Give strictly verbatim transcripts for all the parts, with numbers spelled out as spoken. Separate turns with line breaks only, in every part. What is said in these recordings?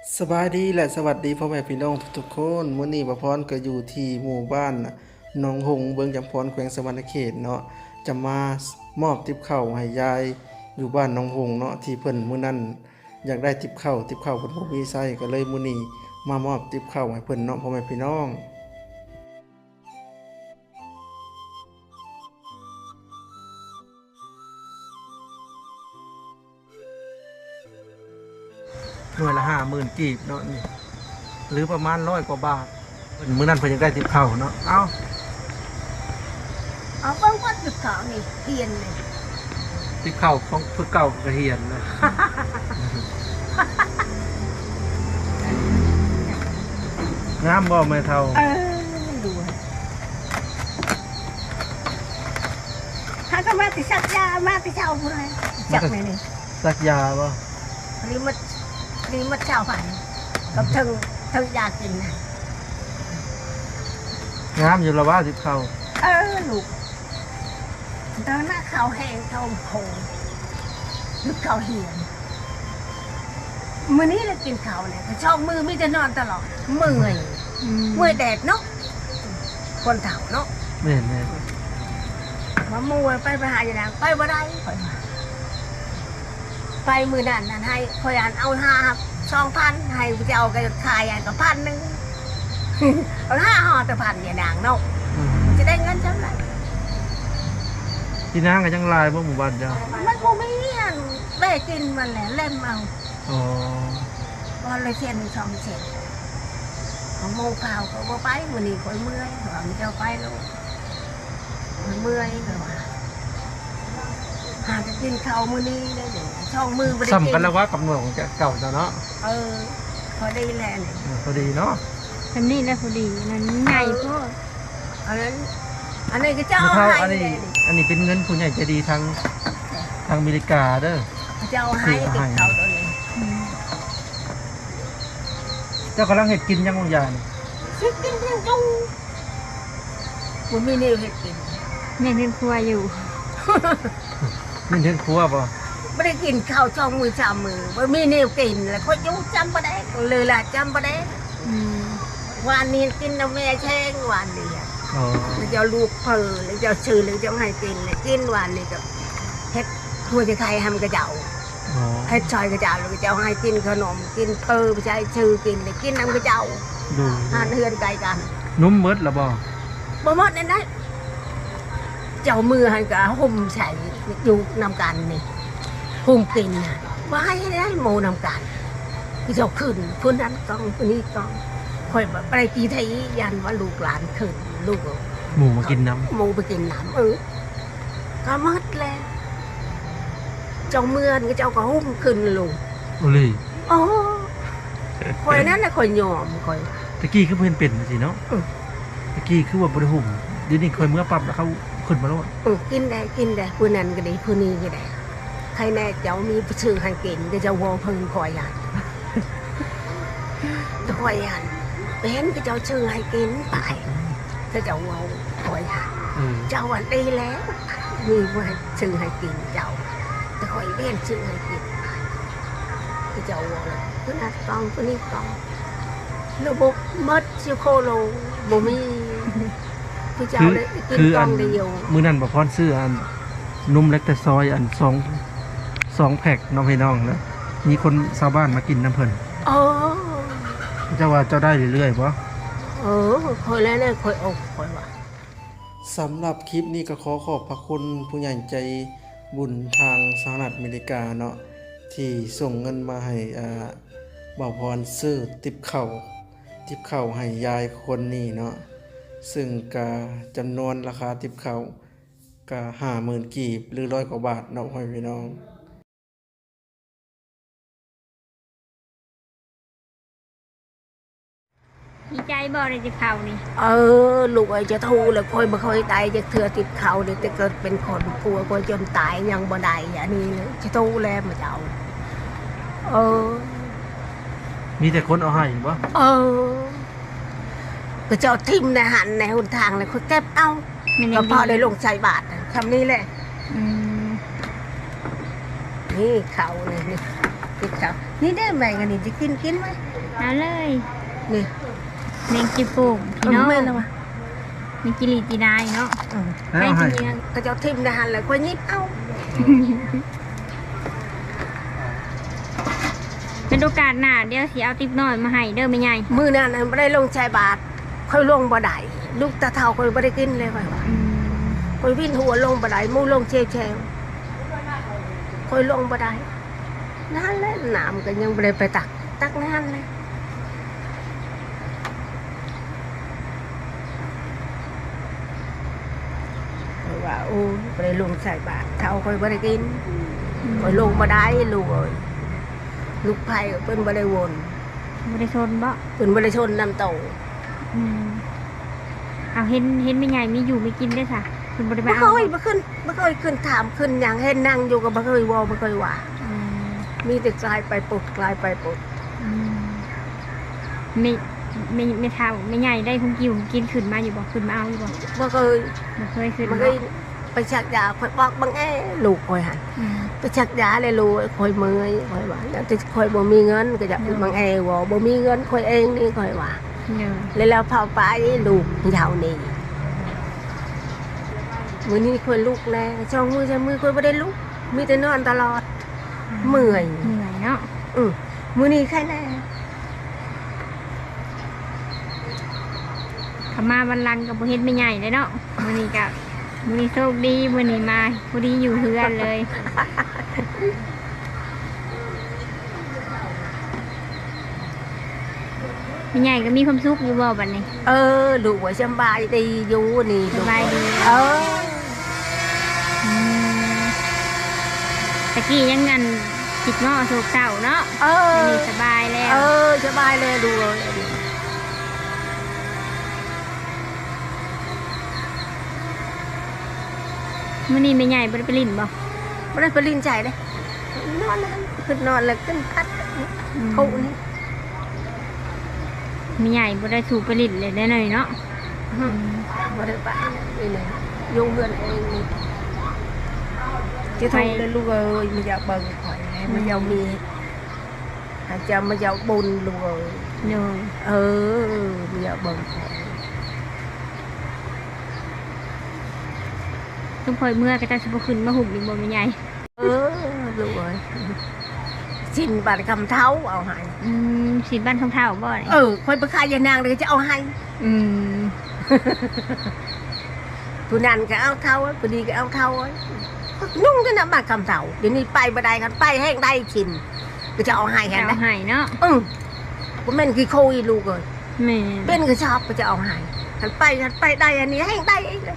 สบายดีและสวัสดีพ่อแม่พี่น้องทุกคนมื้อนี้บ่พรก็อยู่ที่หมู่บ้านหนองหงส์เบิงจำพรแขวงสะหวรรณเขตเนาะจะมามอบติบข้าวให้ยายอยู่บ้านหนองหงส์เนาะที่เพิ่นมื้อนั้นอยากได้ติบข้าวติบข้าวเพิ่นบ่มีใช้ก็เลยมื้อนี้มามอบติบข้าวให้เพิ่นเนาะพ่อแม่พี่น้องหน่วยละห้าหมื่นกีบเนาะนี่หรือประมาณร้อยกว่าบาทเพิ่นมื้อนั้นเพิ่นอยากได้ติบข้าวเนาะเอ้า
เอาเบิ้งวัดจุดเขานี่เทียนเลย
ติบข้าวของเพิ่นเก่าก็เฮียนนะ งามบ่แม่เฒ่า
เออดูถ้าก็มาติสักยามาติเช้าพูดเลยจักไหนนี่
สักยาบ่
นี่มัดนี่มัดเช้าฝันกับถึงถึงยากินนะ
งามอยู่ละว่าติบข้าว
เออลูกตอนหน้าเขาแห้งเขาโผล่ลูกเขาเหี่ยนมื้อนี้เรากินข้าวเนี่ยชอบมือมิจะนอนตลอดเมื่อยเมื่อยแดดเนาะคนเฒ่าเนาะ
แม่น
มามูไปไปหาอย่างนั้นไปบ่ได้ข่อยว่าไปมือนั่นนั่นให้ข่อยอ่านเอาห้าสองพันให้จะเอากระขายอ่านกับพันหนึ่ง เอาห้าห่อแต่พันเนี่ยนางเนาะ
ๆอืม
มันจะได้เงินจังไหน
พี่นางก็ยังลายบ่หมู่บ้านเจ้า
มันบ่มีอันแม่กินมันแหละเล่มเอา
อ๋อ
วันละเส้นสองเส้นของโมข่าวเขาบ่ไปมื้อนี้ข่อยเมื่อยว่ามันจะเอาไปแล้วข่อยเมื่อยข่อยว่าหาจะกินข้าวมื้อนี้ได้เดี๋ยวช่องมือบ่ได้กิน
ซ้ำกันแล้วว่ากับหน่วยของเก่าเจ้าเนาะ
เออพอได้แลนี่
เออพอดีเนาะ
อันนี้แหละพอดีนั่นใหญ่โพด
อันนั้นอันนี้ก็จะ
แม่
เอา
เฒ่า
ให้
อันนี้
เลย
อันนี้เป็นเงินผู้ใหญ่ใจดีทางทางอเมริกาเด้อ
จะเอาให้เก็บเขาตัวนี้
อืม
เจ้ากำลังเฮ็ดกินยังบางอย่างนี่
คิดกินยังจูมันมีนิ้วเห็ดกิน
แม่เห็นครัวอยู่
นี่ถึงครัวบ่
ไม่ได้กินข้าวช่องมือชามมือมันมีนิ้วกินแล้วเขายุจำประเด็เลยล่ะจำประเด็
อืม
วันนี้กินน้ำแม่แช่งวันนี้
อ๋อ
แล้วจะลูกเพลแล้วจะชื่อหรือจะให้กินเลยกินวันนี้กับเฮ็ดหัวจะไทยทำกระเจ้า
อ๋อ
เฮ็ดชอยกระเจ้าแล้วกระเจ้าให้กินขนมกินเพลไปใช้ชื่อกินเลยกินน้ำกระเจ้า
ดู
หานเฮือนไกลกัน
นุ่มเบิดละบ่
บ่หมดนั่นได้เจ้ามือให้กับหุ่มใส่อยู่นำกันนี่หุ่มกินน่ะว่าให้ได้โมนำกันคือเจ้าขึ้นคนนั้นกองคนนี้กองคอยแบบไปกี่ไทยยันว่าลูกหลานขึ้นลูก
หมูมากินน้ำ
โมไปกินน้ำเออก็หมดแล้วเจ้าเมือนก็เจ้าก็หุ่มขึ้นลูก
โอ้เลย
โอ้คอยนั้นน่ะคอยยอมคอย
ตะกี้คือเพิ่นเป็นสิเนาะ
อืม
ตะกี้คือว่าบ่ได้หุ่มเดี๋ยวนี้ค่อยเมื่อปรับแล้วเขาขึ้นมาแล้ว
เออกินได้กินได้ผู้นั้นก็ได้ผู้นี้ก็ได้ใครแน่เจ้ามีชื่อให้กินก็จะวอเพิ่งคอยยันจะคอยยันเป็นก็เจ้าชื่อให้กินไปก็จะวอคอยยัน
เออ
เจ้าวันดีแล้วมีว่าชื่อให้กินเจ้าจะคอยเล่นชื่อให้กินไปก็จะวอผู้นั้นกองผู้นี้กองระบบมัดชิโคโลบ่มีผู้เจ้า
คือ
ได้กิน
คือก
อ
อั
ง
น
เดียว
มื้อนั้นบ่พรซื้ออันนุ่มเล็กแต่ซอยอันสองสองแพ็คน้องพี่น้องนะมีคนชาวบ้านมากินน้ำเพิ่น
อ๋อ
เจ้าว่าเจ้าได้เรื่อยๆบ่
เออคอยแล้วเนี่ยคอยอกคอยว่า
สำหรับคลิปนี้ก็ขอขอบพระคุณผู้ใหญ่ใจบุญทางสหรัฐอเมริกาเนาะที่ส่งเงินมาให้อ่าบ่าวพรซื้อติบข้าวติบข้าวให้ยายคนนี้เนาะซึ่งก็จำนวนราคาติบข้าวก็ห้าหมื่นกีบหรือร้อยกว่าบาทเนาะพ่อพี่น้อง
ดีใจบ่ได้จะเข้านี่
เออลูกไอ้จะทูเลยคอยมาคอยตายจะเถื่อติดเขาเด็กจะเกิดเป็นคนกลัวกลัวจนตายยังบ่ได้อย่างนี้เลยจะทูแล้วมาเจ้าเออ
มีแต่คนเอาให้บ่
เออก็เจ้าทิมในหันในหนทางเลยเขาเก็บเอา
มัน
ก็
ยัง
พอได้ลงใจบาทคำนี้แหละ
อืม
นี่เขาเลยนี่ติดเขานี่ได้ไหมกันนี่จะกินกินไหม
เอาเลย
นี่
แมงจีโป่งพี่น้อง
แม่นแล้ววะ
แมงจิลีจีนายเนาะ
เออ
ไป
เอาให้
ที่เมือง
ก็จะทิมได้หันเลยก็ยิบเอา
เป็นโอกาสหน้าเดี๋ยวสิเอาติ๊บน้อยมาให้เด้อแม่ใหญ่
มือนั้นไม่ได้ลงชายบาทค่อยลงบ่ได้ลูกตาเท่าค่อยบ่ได้กินเลยค่อยว่า
อืม
ค่อยวิ่งหัวลงบ่ได้มูลงเชวเชวค่อยลงบ่ได้นั่นแหละน้ำก็ยังบ่ได้ไปตัก ตักนั่นเลยค่อยว่าโอ้บ่ได้ลงชายบาทเท่าค่อยบ่ได้กินค่อยลงบ่ได้ลูกเอ้ยลูกไผ่เพิ่นบ่ได้วน
บ่ได้ชนบ่
เพิ่นบ่ได้ชนน้ำโต
อืมเอาเห็นเห็นแม่ใหญ่มีอยู่มีกินได้ค่ะคุณบ่ได้
บ่
มา
เค
เอา
ยบ่ขึ้นบ่เคยขึ้นถามขึ้นหยังเห็นนั่งอยู่ก็บ่เคยเว้าบ่เคยว่า
อืม
มีแต่กลายไปปลดกลายไปปลด
อืมไม่ไม่ไม่เท่าไม่ใหญ่ได้คงกิวกินขึ้นมาอยู่บ่ขึ้นมาเอาอยู่บ่
บ่เคย
บ่เคยขึ้น
บ่
บ่
เคยไปชักยาคอยบอกบังแอลูกคอยหัน
อืม
ไปชักยาเลยลูกคอยเมื่อยคอยว่าแล้วแต่คอยบ่มีเงินก็จะบังแอว่าบ่มีเงินคอยเองนี่คอยว่า
เนอะ
แล้วแล้วพาไปลูกยาวนี่มื้อนี้คอยลุกแน่ช่องมือช่องมือคอยบ่ได้ลุกมีแต่นอนตลอด เมื่อย
เหนื่อยเนาะ
อือมื้อนี้ใครแน่
เขามาวันลังกับบ่เฮ็ดไม่ใหญ่เลยเนาะมื้อนี้ก็มื้อนี้โชคดีมื้อนี้มาพอดีอยู่เฮือนเลยไม่ใหญ่ก็มีความสุขอยู่บ่บัดนี้
เออลูกว่าสบายดีอยู่นี่
ส
ลูก
บายดี
เออ
อืมตะกี้ยังงันจิตง้อโศกเศร้าเนาะ
เออ
อันนี้สบายแล้ว
เออสบายเลยดูเลย
มื้อนี้แม่ใหญ่บ่ได้ไปลิ้นบ่
ไม่ได้ไปลินใจเลยนอนเลยขึ้นนอนเลยขึ้นพัด
อืม
เขานี่
แม่ใหญ่บ่ได้ถูกไปลิ้นเลยได้หน่อยเนาะ
ไม่ได้ไปนี่เลยยุ่งเงินเองนี่จะทำเลยลูกเอ้ยมันจะเบิ่งข่อยมันจะมีอาจจะมันจะบุญลูกเอ้ย
เนอะ
เออมันจะเบิ่งข่อย
ทุกพอยเมื่อก็จะสิบ่ขึ้นมาหุ่มอีกบ่แม่ใหญ่
เออลูกเอ้ยชินบัตรคำเท้าเอาให้
อืมสิบ้านของเฒ่าบ่นี่
เออคอยไปขายยานางเลยจะเอาให้
อืม
ผู้นั้นก็เอาเท้าผู้ดีก็เอาเท้านุ่งกันนะบัตรคำเท้าเดี๋ยวนี้ไปบ่ได้กันไปแห้งได้ชินก็จะเอาให้
จะ
กัน
เอา
นะ
ให้เนาะ
อือผมเป็นกี่โคอีลูกเลย
แม่
เป็นก็ชอบก็จะเอาให้หันไปหันไปได้อันนี้ให้ได้เองเลย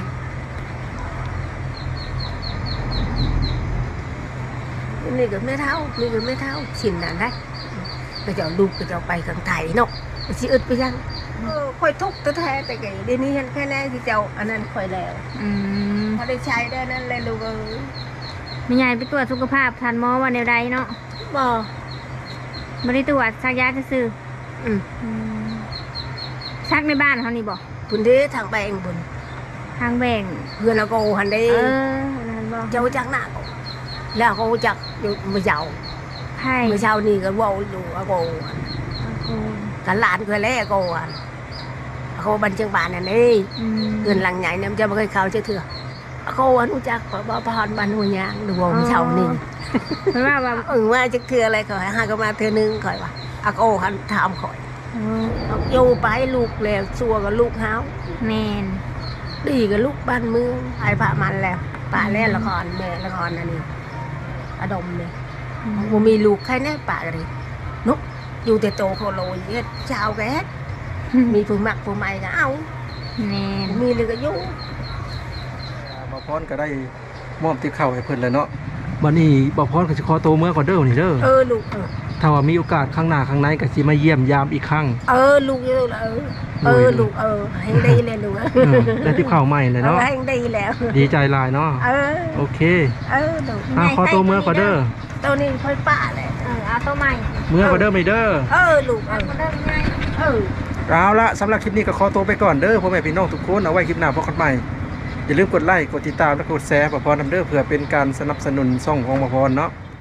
นี่ก็ไม่เท่านี่ก็ไม่เท่าชินนั่นได้ก็จะเอาลูกก็จะเอาไปข้างไทยเนาะมันสิอึดไปยังเออค่อยทุกข์แท้ๆแต่ไงเดี๋ยวนี้ฉันแค่แน่ที่เจ้าอันนั้นค่อยแล้ว
อืม
พอได้ใช้ได้นั่นเลยลูกเอ้ย
แม่ใหญ่ไปตรวจสุขภาพทันหมอว่าแนวใดเนาะ
บ่
บ่ได้ตรวจซักยาซื่อ
อืม
ๆอืมซักในบ้านเขานี่บ่
พุ่นเด้ทางไปเองบุญ
ทางแบ่ง
เพื่อนเราก็หันได้
เอออันนั้นบ่
เจ้าจักหน้าก็แล้วเขาจักอยู่มือเจ้า
ไผ่
เมื่อเช้านี่ก็เว่าอยู่อาโก
โอ้
กันหลานก็แล้วอาโกอ่ะอาโกบันเชียงบานนั่นเอง
อืม
เงินหลังใหญ่เนี่ยมันจะไม่เคยเข้าเชื่อเถื่ออาโกอันรู้จักขอบ่พรบันหัวยางดูว่าเมื่อเช้านี่
เพราะว่าว่า
เออว่าจะเถื่ออะไรขอยหาก็มาเถื่อนึงขอยว่าอาโกหันถามขอย
เออ
อยู่ไปลูกแล้วซัวกับลูกเฮา
แม่น
ดีกับลูกบ้านเมืองไอ้พระมันแล้วป่าเล่นละครแม่ละครอันนี้อดมเลย
อืม
บ่มีลูกใครแน่ป่ากันเลยนุกอยู่แต่โตโคโลยเฮ็ดชาวแกเฮ็ดมีผู้มักผู้ใหม่ก็เอา
แม่น
บ่มีเลยก็อยู่
บ่พรก็ได้มอบติบข้าวให้เพิ่นแล้วเนาะบัดนี้บ่พรก็สิขอตัวเมื่อก่อนเด้อนี่เด้อ
เออลูกเออ
ถ้าว่ามีโอกาสข้างหน้าข้างในก็สิมาเยี่ยมยามอีกครั้ง
เออลูกอยู่แล้วเออเออลูกเออให้ดีเลยลูก
เออได้ติบข้าวใหม่เลย
เออ
เนาะ
ให้ดีแล้ว
ดีใจหลายเนาะ
เออ
โอเค
เออลูก
อ่าขอตัวเมื่อก่อนเด้อ
ตัวนี้ค่อยป้าแหละ
เออเอาตัวใหม่
เมื่อก่อนเด้อไม่เด้อ
เออลูกเอ
เอา
อ
ตัวเดิมง่าย
เออ
เอาละสำหรับคลิปนี้ก็ขอตัวไปก่อนเด้อพ่อแม่พี่น้องทุกคนเอาไว้คลิปหน้าพบกันใหม่อย่าลืมกดไลค์กดติดตามและกดแชร์บ่พรนำเด้อเพื่อเป็นการสนับสนุนช่องของบ่พรเนาะ